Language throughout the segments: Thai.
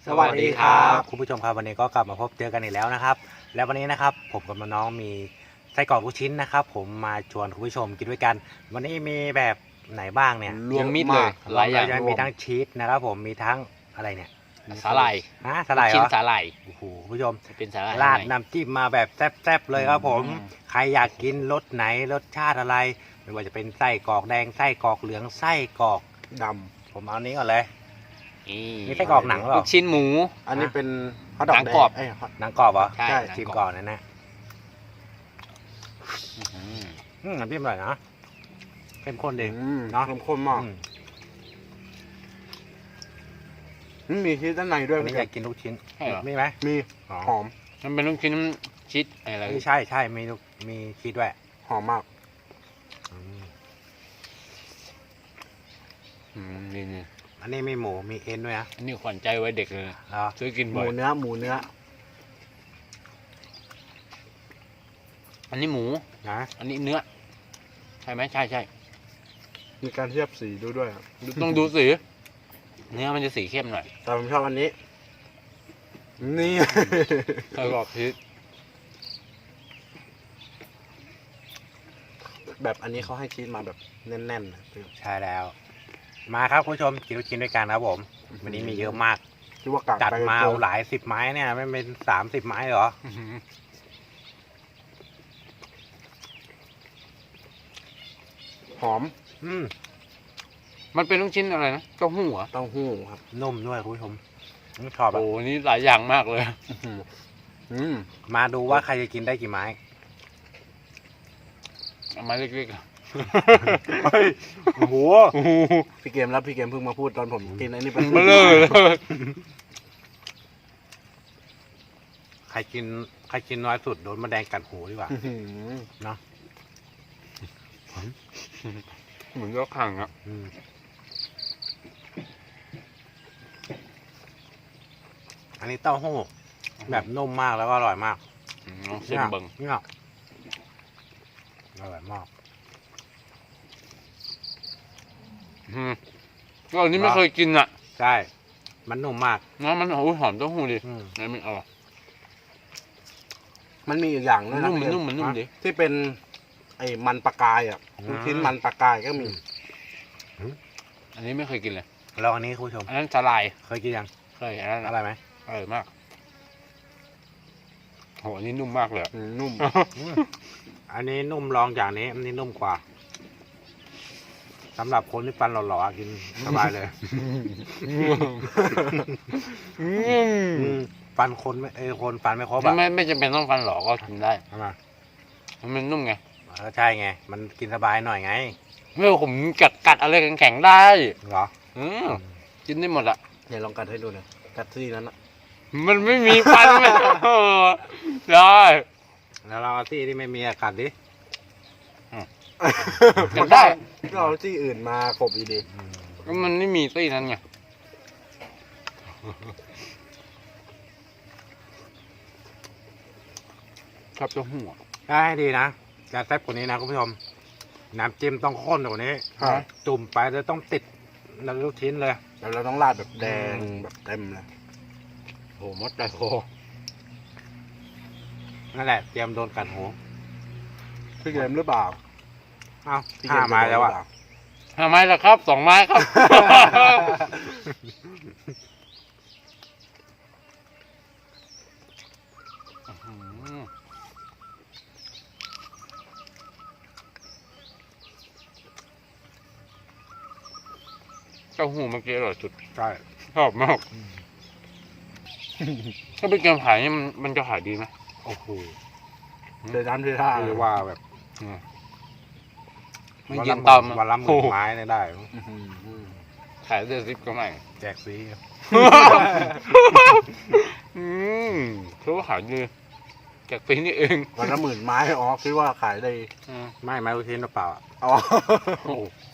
สวัสดีครับคุณผู้ชมครับวันนี้ก็กลับมาพบเจอกันอีกแล้วนะครับและวันนี้นะครับผมกับน้องมีไส้กรอกลูกชิ้นนะครับผมมาชวนคุณผู้ชมกินด้วยกันวันนี้มีแบบไหนบ้างเนี่ยรวมมิตรเลยหลายอย่างมีทั้งชีสนะครับผมมีทั้งอะไรเนี่ยสาหร่ายสาหร่ายเหรชิ้นอสาหร่ายโอ้โหคุณผู้ชมเป็นสาหร่ายราดข้งในน้ำจิ้มมาแบบแซ่บๆเลยครับผมอืมใครอยากกินรสไหนรสชาติอะไร ไม่ว่าจะเป็นไส้กรอกแดงไส้กรอกเหลืองไส้กรอกดำผมเอานี้ก่อนเลย นี่ไส้กรอกหนังหรือเปลูล่ากชิ้นหมูอันนี้เป็นฮอทดอกหนังแดกรอบงเอ้ยฮอทหนังกรอบเหรอใช่ใช่หนังชิมรบก่อนนะอืมน้ำจิ้มอร่อยนะเข้มข้นดีเนาะเนาะเข้มข้นมาก มีชีสด้านในด้วยอันนี้อยากกินลูกชิ้นใช่เหรอมีไหมมีอ๋อหอมมันเป็นลูกชิ้นชีสอะไรใช่ใช่มีชีสด้วยหอมมากนี่อันนี้มีหมูมีเอ็นด้วยนะอันนี้ขวัญใจไว้เด็กเลยเหรอซื้อกินหบ่มูอยเนื้อหมูเนื้ออันนี้หมูนะอันนี้เนื้อใช่ไหมใช่มีการเทียบสีด้วยอะต้องดูสีเนื้อมันจะสีเข้มหน่อยแต่ผมชอบอันนี้ นี่ไส้กรอกชีสแบบอันนี้เขาให้ชีสมาแบบแน่นๆนะใช่แล้ว มาครับคุณผู้ชมกินลูกชิ้นด้วยกันครับผม วันนี้มีเยอะมากคิดว่ากะจัดไปมาเกินหลาย10ไม้เนี่ยไม่เป็น30ไม้เหรอหอมอืมมันเป็นลูกชิ้นอะไรนะเต้าหู้เหรอเต้าหู้ครับนุ่มด้วยคุณผู้ชมชอบโอ้อะนี่หลายอย่างมากเลยอืมมาดูว่าใครจะกินได้กี่ไม้เอามาเล็กๆอะเฮ้ยโอ้โหพี่เกมแล้วพี่เกมเพิ่งมาพูดตอนผมกินไอ้นี่ไปเบลอเลยใครกินน้อยสุดโดนมะแดงกัดหูดีกว่าอื้อหือเนาะเหมือนยกขังอ่ะอืมอันนี้เต้าหู้แบบนุ่มมากแล้วก็อร่อยมากลองชิมเบิ่งเนี่ยอร่อยมากก็อันนี้ไม่เคยกินอ่ะใช่ มันนุ่มมากนะมันโอ้ยหอมเต้าหู้ดิอืมนี่มันอร่อยมันมีอีกอย่างด้วยนะนุ่มมันพี่เกนุ่มมันนุ่มดิที่เป็นไอ้มันปลากายอ่ะลูกชิ้นมันปลากายก็มีอันนี้ไม่เคยกินเลยลองอันนี้คุณผู้ชมอันนั้นสาลายเคยกินยังเคยอันนั้นอร่อยไหมอร่อยมากโหอันนี้นุ่มมากเลยอะนุ่มอืมอันนี้นุ่มรองจากนี้ อันนี้นุ่มกว่าสำหรับคนที่ฟันหล่อๆกินสบายเลย ฟันคนไม่คนฟันไม่ครบอ่ะไม่จำเป็นต้องฟันหลอกก็กินได้ทำไมมันนุ่มไงก็ใช่ไง มันกินสบายหน่อยไงเมื่อผมกัดอะไรแข็งๆได้เหรอกินได้หมดอ่ะเดี๋ยวลองกัดให้ดูหน่อยกัดที่นั้นอะมันไม่มีฟันไม่ได้แล้วเราเอาที่ที่ไม่มีอากาศดิกัดได้ก็เอาที่อื่นมาขบอีดีก็มันไม่มีตี้นั้นไงชอบเต้าหู้อะได้ให้ดีนะจะแซ่บกว่านี้นะคุณผู้ชม น้ำจิ้มต้องข้นกว่านี้ครับจุ่มไปแล้วต้องติดแล้วลูกชิ้นเลยแล้วเราต้องราดแบบแดงอืมแบบเต็มเลยโหมดแต่โคนั่นแหละเตรียมโดนกัดหูพี่เกมหรือเปล่าเอ้าพี่เกห้าไม้แล้วอ่ะ 5 ไม้แล้วครับ 2 ไม้ครับ เต้าหู้เมื่อกี้อร่อยสุดใช่ชอบมาก ถ้าเป็นเกมขายนี่มันจะขายดีไหมโอ้โหเดินน้ำที่ท่าคือว่าแบบไม่กินตามวันละหมื่นไม้เนี่ยได้อื้อหือขายได้10 ก็ไม่แจกฟรีคือว่าขายดีจากปีนี้เองวันละ10,000 ไม้อ๋อคิดว่าขายได้ไม่ไม้ลูกชิ้นเปล่าๆอะอ๋อโอ้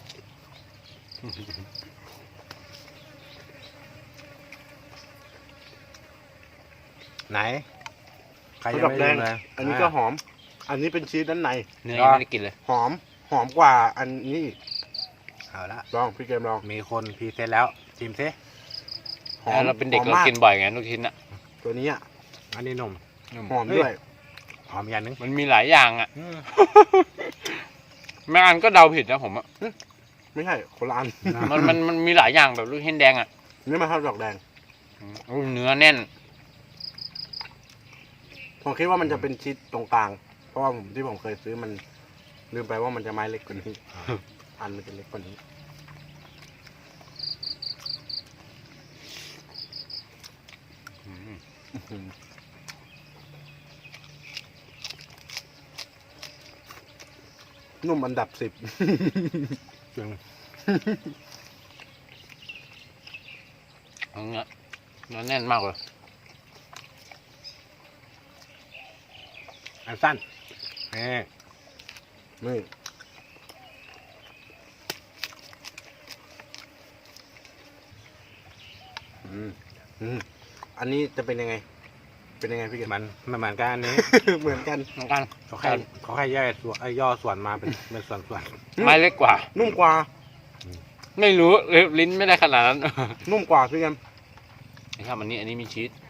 ไหน ใครข้าวยังดอกไม่แดลืงมเลยอันนี้ก็หอม อันนี้เป็นชีสด้านในเนื้อยังไม่ได้กินเลยหอมกว่าอันนี้อีกเอาละลองพี่เกมลองมีคนพรีเซนต์แล้วชิมซิหอมเราเป็นเด็กหอมเรามากกินบ่อยไงลูกชิ้นอ่ะตัวนี้อ่ะอันนี้นมหอมด้วยหอมอย่างนึงมันมีหลายอย่างอ่ะอืมแม่อันก็เดาผิดนะผมอ่ะไม่ใช่คนละอันมันมีหลายอย่างแบบลูกชิ้นแดงอ่ะนี่มาทอดดอกแดงโอ้เนื้อแน่นผมคิดว่ามันจะเป็นชีสตรงกลาง เพราะว่าที่ผมเคยซื้อมันลืมไปว่ามันจะไม้เล็กกว่านี้ อันมันจะเล็กกว่านี้ นุ่มอันดับ 10 จริงเนื้อแน่นมากเลยอันสั้นนี่นี่อันนี้จะเป็นยังไง เป็นยังไงพี่เกศมันเหมือนกันอันนี้เหมือนกันเหมือนกันเขาแค่ย่อยส่วนย่อส่วนมาเป็นส่วนไม้เล็กกว่านุ่มกว่าไม่รู้ลิ้นไม่ได้ขนาดนั้นนุ่มกว่าพี่เกศนี่ครับอันนี้มีชีส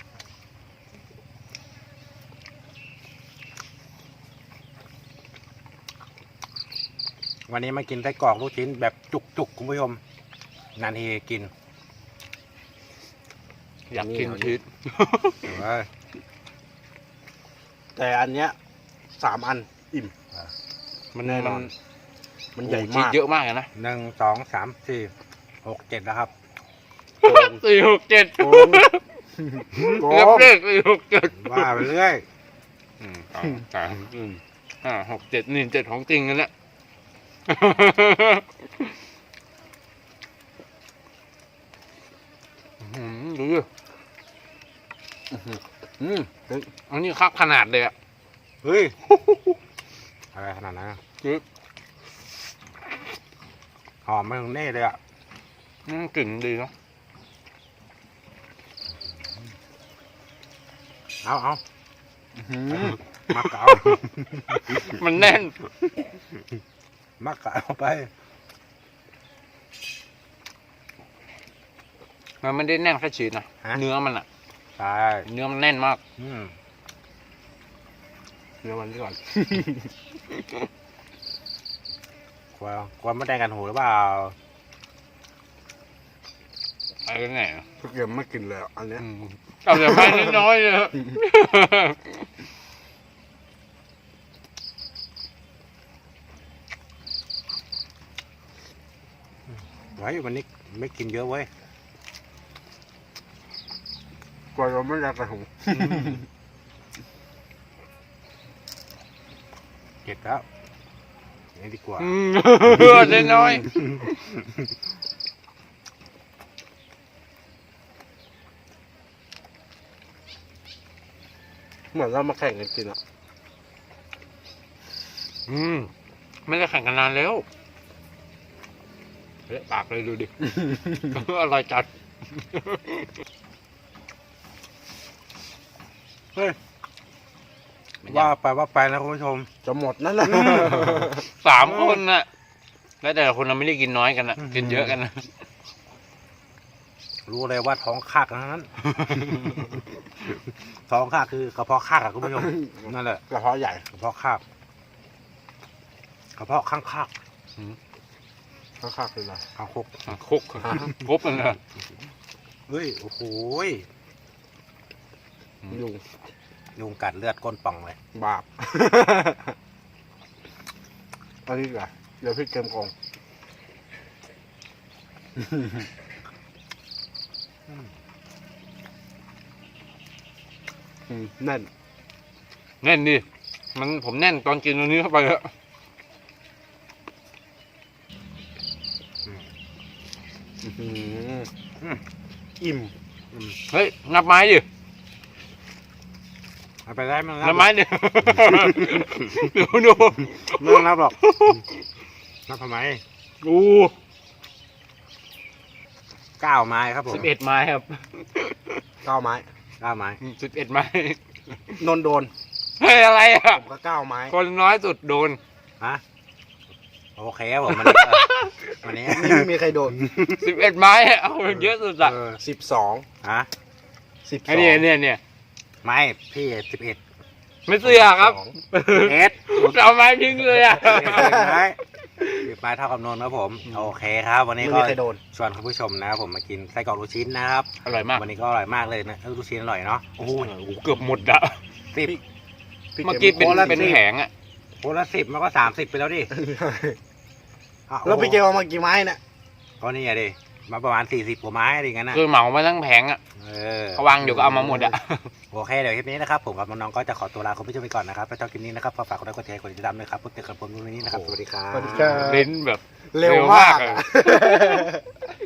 วันนี้มากินไส้กรอกลูกชิ้นแบบจุกๆคุณผู้ชมนานทีกินอยากกินชีสเว้ยแต่อันเนี้ย3 อันอิ่มมันแน่นอน มันใหญ่ชีสมากเยอะมากอะนะ 1 2 3 4 6 7แล้วครับ 4 6 7 โกงโกเรียบงเลข4 6 7 ว่าไปเรื่อย 2 3 4 5 6 7นี่7ของจริงกันแหละดูดิอืมอันนี้คักขนาดเลยอ่ะเฮ้ยอะไรขนาดนั้นอะคือหอมไม่ถึงเน่เลยอ่ะกลิ่นดีเนาะเอามักกะเอามันแน่นมักกะเอาไปมันไม่ได้แน่นแค่ชีสนะ เนื้อมันอ่ะใช่เนื้อมันแน่นมากเนื้อมันก่อนกลัวไม่ได้กันหูหรือเปล่าไอ้ก็ไงพี่เกศไม่กินเลยอ่ะอันเนี้ยเอาแต่ไปน้อยๆเลยไว้วันนี้ไม่กินเยอะเว้ยกลัวเราไม่อยากกระหุงเก็บแล้วนี่ดีกว่าได้น้อยเหมือนเรามาแข่งกันกินอ่ะไม่ได้แข่งกันนานแล้วเละปากเลยดูดิ อร่อยจัดเฮ้ยว่าไปนะคุณผู้ชมจะหมดนั่นแหละ 3 คนน่ะ แล้วแต่ละคนเราไม่ได้กินน้อยกันนะกินเยอะกันนะรู้เลยว่าท้องคากทั้งนั้น ท้องคากคือกระเพาะคากอะคุณผู้ชมนั่นแหละกระเพาะใหญ่กระเพาะคากกระเพาะข้างคากข้างๆคืออะไรข้างคกคุกครบมันนะเฮ้ยโอ้โหยยุงยุงกัดเลือดก้นป่องเลยบาป อันนี้เหรอเดี๋ยวพี่เกมกองแน่นแน่นดิผมแน่นตอนกินตัวนี้เข้าไปแล้วอิ่มเฮ้ยนับไม้ดิเอาไปได้มั้งนับไม้ดิ ดูไม่ต้องนับหรอกนับทำไมดู 9 ไม้ครับผม 11 ไม้ครับ 9 ไม้ 9 ไม้ 11 ไม้นนโดนเฮ้ยอะไรอ่ะผมก็9 ไม้คนน้อยสุดโดนฮะโอเคครับผมวันนี้ก็วันนี้ไม่มีใครโดน 11 ไม้อะเอาเยอะสุดอะ 12 ฮะไอ้เนี่ยไม่พี่11 ไม่เสือครับเอ็ดเอาไม้ทิ้งเลยอะไม้เท่ากับนนท์ครับผมโอเคครับ วันนี้ไม่ก็มีใครโดนชวนคุณผู้ชมนะครับผมมากินไส้กรอกลูกชิ้นนะครับอร่อยมากวันนี้ก็อร่อยมากเลยนะลูกชิ้นอร่อยเนาะโอ้โหเกือบหมดอะ 10 เมื่อกี้เป็นแผงอะคนละ10มันก็30ไปแล้วดิอ้าแล้วพี่เกลเอามากี่ไม้เนี่ยก็นี่อะดิมาประมาณ40กว่าไม้อะไรอย่างนั้นนะคือเหมามาทั้งแผงอะเออเขาวางอยู่ก็เอามาหมดอะโอเคเดี๋ยวคลิปนี้นะครับผมกับน้องๆก็จะขอตัวลาคุณผู้ชมไปก่อนนะครับถ้าชอบคลิปนี้นะครับฝากกดไลค์กดแชร์กดติดตามด้วยครับพูดเจอกันผมวันนี้นะครับสวัสดีครับสวัสดีครับลิ้นแบบเร็วมากอะอะ